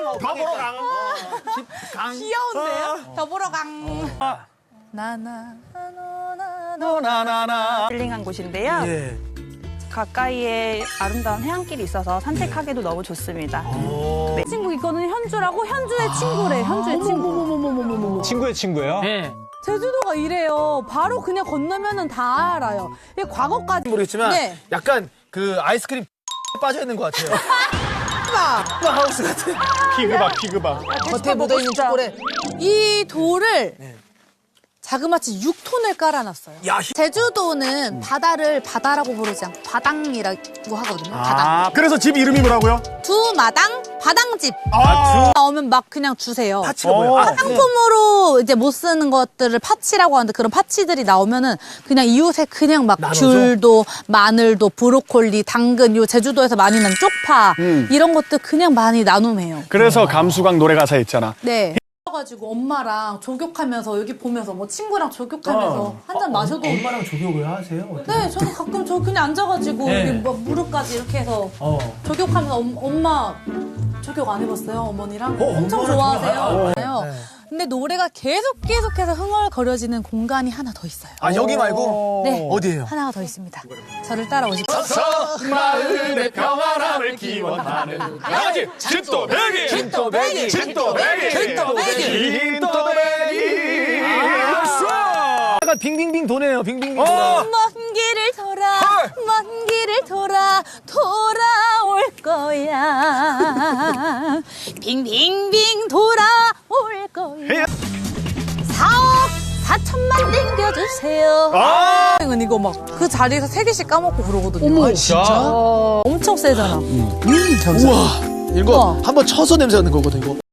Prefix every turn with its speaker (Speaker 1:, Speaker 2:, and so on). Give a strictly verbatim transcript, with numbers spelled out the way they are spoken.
Speaker 1: 더 보러 강. 강.
Speaker 2: 귀여운데요? 더 보러 강. 나나
Speaker 1: 나나나.
Speaker 3: 힐링한 곳인데요.
Speaker 1: 예.
Speaker 3: 가까이에 아름다운 해안길이 있어서 산책하기도 너무 좋습니다. 네.
Speaker 2: 친구 이거는 현주라고 현주의 친구래. 현주의 친구.
Speaker 4: 친구의 친구예요?
Speaker 1: 네.
Speaker 2: 제주도가 이래요. 바로 그냥 건너면은 다 알아요. 이게 과거까지
Speaker 1: 모르겠지만
Speaker 2: 네.
Speaker 1: 약간 그 아이스크림 빠져 있는 것 같아요. 빠 하우스 같은.
Speaker 4: 피그박 피그박.
Speaker 2: 겉에 묻어있는 초콜릿. 이 돌을 자그마치 육 톤을 깔아놨어요.
Speaker 1: 야,
Speaker 2: 제주도는 바다를 바다라고 부르지 않고 바당이라고 하거든요. 바당.
Speaker 4: 아, 그래서 집 이름이 뭐라고요?
Speaker 2: 두 마당 바당집.
Speaker 4: 아,
Speaker 2: 나오면 막 그냥 주세요.
Speaker 1: 파치가 뭐야? 아,
Speaker 2: 상품으로 이제 못 쓰는 것들을 파치라고 하는데 그런 파치들이 나오면은 그냥 이웃에 그냥 막
Speaker 1: 나눠줘?
Speaker 2: 귤도 마늘도 브로콜리 당근 요 제주도에서 많이 난 쪽파 이런 것들 그냥 많이 나눔해요.
Speaker 4: 그래서 감수광 노래 가사에 있잖아.
Speaker 2: 네. 가지고 엄마랑 조격하면서 여기 보면서 뭐 친구랑 조격하면서 한 잔 마셔도
Speaker 1: 엄마랑 조격을 하세요?
Speaker 2: 네 저는 가끔 저 그냥 앉아가지고
Speaker 1: 네.
Speaker 2: 여기 뭐 무릎까지 이렇게 해서
Speaker 1: 어.
Speaker 2: 조격하면서 엄, 엄마 조격 안 해봤어요 어머니랑
Speaker 1: 어,
Speaker 2: 엄청
Speaker 1: 엄마랑
Speaker 2: 좋아하세요.
Speaker 1: 좋아해요? 네.
Speaker 2: 근데 노래가 계속 계속해서 흥얼거려지는 공간이 하나 더 있어요.
Speaker 1: 아, 여기 말고?
Speaker 2: 네
Speaker 1: 어디예요?
Speaker 2: 하나가 더 있습니다. 저를 따라오십시오.
Speaker 4: 마을의 평안함을 기원하는 강아지 진또배기
Speaker 1: 진또배기!
Speaker 4: 진또배기
Speaker 2: 진또배기!
Speaker 4: 진또배기.
Speaker 1: 약간 빙빙빙 도네요. 빙빙빙 돌아.
Speaker 2: 먼 길을 돌아 먼 길을 돌아 돌아올 거야 빙빙빙 돌아올 거야 사억 사천만 땡겨주세요
Speaker 4: 아,
Speaker 2: 이건 이거 막 그 자리에서 세 개씩 까먹고 그러거든요
Speaker 1: 어머, 진짜?
Speaker 2: 엄청 세잖아
Speaker 1: 우와. 이거
Speaker 2: 우와.
Speaker 1: 한번 쳐서 냄새 나는 거거든, 이거.